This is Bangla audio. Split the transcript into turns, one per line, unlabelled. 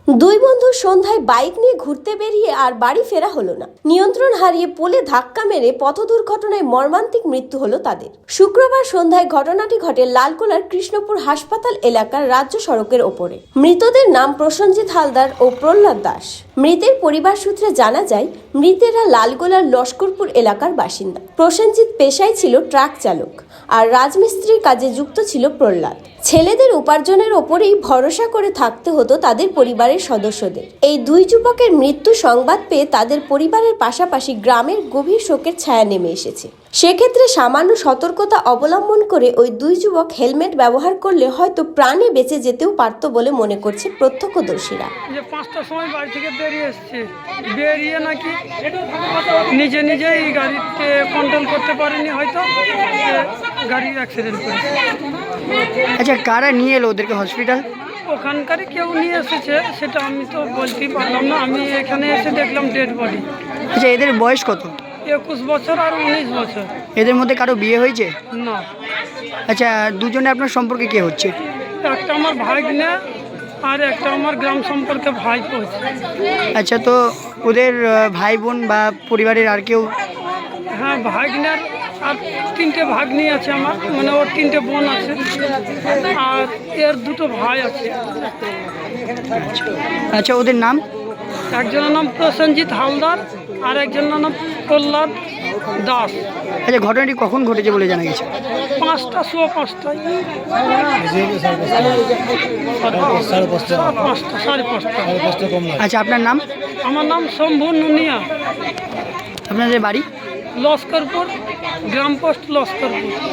দুই বন্ধু সন্ধ্যায় বাইক নিয়ে ঘুরতে বেরিয়ে আর বাড়ি ফেরা হলো না। নিয়ন্ত্রণ হারিয়ে পোলে ধাক্কা মেরে পথ দুর্ঘটনায় মর্মান্তিক মৃত্যু হলো তাদের। শুক্রবার সন্ধ্যায় ঘটনাটি ঘটে লালগোলার কৃষ্ণপুর হাসপাতাল এলাকার রাজ্য সড়কের ওপরে। মৃতদের নাম প্রসেনজিৎ হালদার ও প্রহ্লাদ দাস। মৃতের পরিবার সূত্রে জানা যায়, মৃতেরা লালগোলার লস্করপুর এলাকার বাসিন্দা। প্রসেনজিৎ পেশায় ছিল ট্রাক চালক আর রাজমিস্ত্রির কাজে যুক্ত ছিল প্রহ্লাদ। ছেলেদের উপার্জনের ওপরেই ভরসা করে থাকতে হতো তাদের পরিবারের সদস্যদের। এই দুই যুবকের মৃত্যু সংবাদ পেয়ে তাদের পরিবারের পাশাপাশি গ্রামের গভীর শোকের ছায়া নেমে এসেছে। সেক্ষেত্রে সামান্য সতর্কতা অবলম্বন করে ওই দুই যুবক হেলমেট ব্যবহার করলে হয়তো প্রাণে বেঁচে যেতেও পারত বলে মনে করছে প্রত্যক্ষদর্শীরা।
যে 5টার সময় বাড়ি থেকে বেরিয়ে নাকি নিজেই গাড়িতে কন্ট্রোল করতে পারেনি, হয়তো গাড়ির অ্যাক্সিডেন্ট করেছে।
আচ্ছা, কারা নিয়ে এলো ওদেরকে হসপিটাল?
ওখানকারই কেউ নিয়ে এসেছে, সেটা আমি তো বলতেই পারলাম না। আমি এখানে এসে দেখলাম ডেড বডি।
আচ্ছা, এদের বয়স কত?
21 বছর আর 19 বছর।
এদের মধ্যে কারো বিয়ে হয়েছে?
না।
আচ্ছা, দুজনে আপনার সম্পর্কে কে হচ্ছে?
একটা আমার ভাগ্নে আর একটা আমার গ্রাম সম্পর্কে ভাই হচ্ছে।
আচ্ছা, তো ওদের ভাই বোন বা পরিবারের আর কেউ?
হ্যাঁ, ভাগ্নের আর 3টে ভাগ্নি আছে আমার, মানে ওর 3টে বোন আছে আর এর 2টো ভাই আছে।
আচ্ছা, ওদের নাম?
একজনের নাম প্রসেনজিৎ হালদার আর একজনের নাম প্রহ্লাদ দাস।
আচ্ছা, ঘটনাটি কখন ঘটেছে বলে জানা গেছে?
5টা, 5:15। 5:30।
আচ্ছা, আপনার নাম?
আমার নাম শম্ভু নুনিয়া।
আপনাদের বাড়ি?
লস্করপুর, গ্রাম পোস্ট লস্করপুর।